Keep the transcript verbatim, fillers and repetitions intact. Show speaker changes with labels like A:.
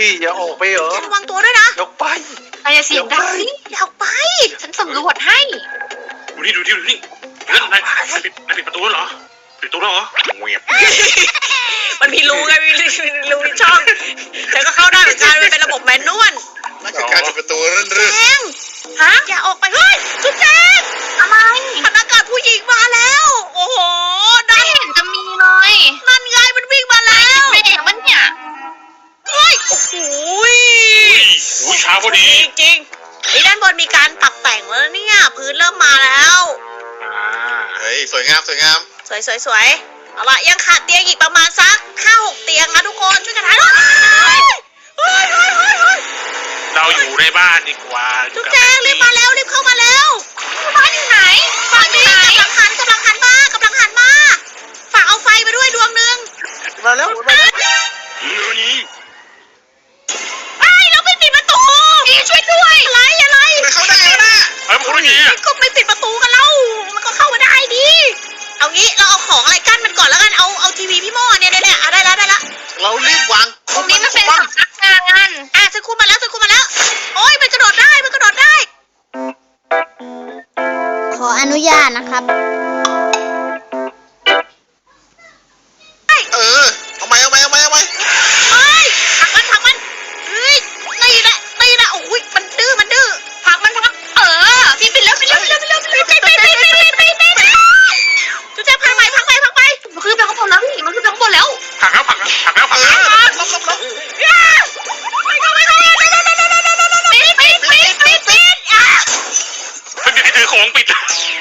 A: ยอย่าออกไปเหรอ
B: ระวังตัวด้วยนะ
A: ยกไป
C: นายอย่าเสียงดังสิ
B: อย่าออกไป
C: ฉันสำรวจให้
D: ดูนี่ดูนี่ดูนี่เพื่อนนายนายปิดนายปิดประตูแล้วเหรอปิดประตูแล้วเหรอเงียบ
B: มันมีรูไงมีรูมีช่องแต่ก็เข้าได้เหมือนกันมันเป็นระบบแมนนวล
E: นั่นคือการปิดประตูนั่นหรือ
B: แจง
C: ฮะ
B: อย่าออกไปเฮ้ยจุ๊บแจง
C: อะไร
B: พนักงานผู้หญิงมาแล้ว โอ้โห
C: ไม่
B: นั่น
C: เห็นจะมีเลย
B: นั่นไงมันวิ่งมาแล้ว
C: ไม่เห็นมันเนี่ย
B: เฮ้ยโอ้โห
D: อุ้ยช้าพอดี
B: จริงๆไอ้ด้านบนมีการปรับแต่งแล้วเนี่ยพื้นเริ่มมาแล้ว
D: อ่า
E: เฮ้ยสวยงามสวยงาม
B: สวยสวยสวยเอาล่ะยังขาดเตียงอีกประมาณสักห้าหกเตียงนะทุกคนช่วยกันหาหน่อยเฮ้ยเฮ้ยเฮ้ยเฮ้ย
D: เราอยู่ในบ้านดีกว่า
B: จุ๊บแจงรีบมาแล้วรีบเข้ามาแล้ว
C: บ้านอยู่ไหน
B: บ้านนี้กำลังหันกำลังหันมากำลังหันมาฝากเอาไฟมาด้วยดวงหนึ่ง
A: มาแล้วมาแล้ว
D: เดี๋ยวนี้
B: ไอ้เราไม่ปิดประตูอีช่วยด้วยอะไรอะไร
E: ไม่เข้าได้แล้วนะ
D: เฮ้ยมันคนละทีอ่ะ
B: ก็ไม่ปิดประตูกันแล้วมันก็เข้ามาได้ดิเอางี้เราเอาของอะไรกั้นมันก่อนแล้วกันเอาเอาทีวีพี่โม่เนี่ยเนี่ยเนี่ยเอาได้แล้วได้แล้ว
E: เรารีบวาง
C: ตรงนี้มันเป็น
E: บ้าง
C: สำนักงาน
B: อ่ะฉันคุมมาแล้วฉันคุมมาแล้ว โอ้ยมันกระโดดได้มันกระโดดได้
F: ขออนุญาตนะครับ
E: เออเอาไหมเอาไหมเอาไหมเอาไหม
B: เฮ้ยถักมันถักมันเฮ้ยตีละตีละโอ้ยมันดื้อมันดื้อ
C: พักมันพักเออพี่ไปแล้วไปแล้วไปแล้วไปแล้วไปแล้ว
B: ตีตีตีตีตีตีตีจุ๊บแจ๊บพักไปพักไปพักไป
C: มันขึ้นไปข้างบนแล้วพี่มันขึ้นไปข้างบนแล้ว
D: ผักแล้วผักแล้วผักแล้วผัก
E: เอ
D: แล้ว
E: อลบลบลบ
B: ย่าไปเข้าไปเข้าไปเร็วเร็วเร็วเร็วเร็วเร็วเร็วปิดปิดปิดปิดปิดอ่ะ
D: ไม่มีใครถือของปิด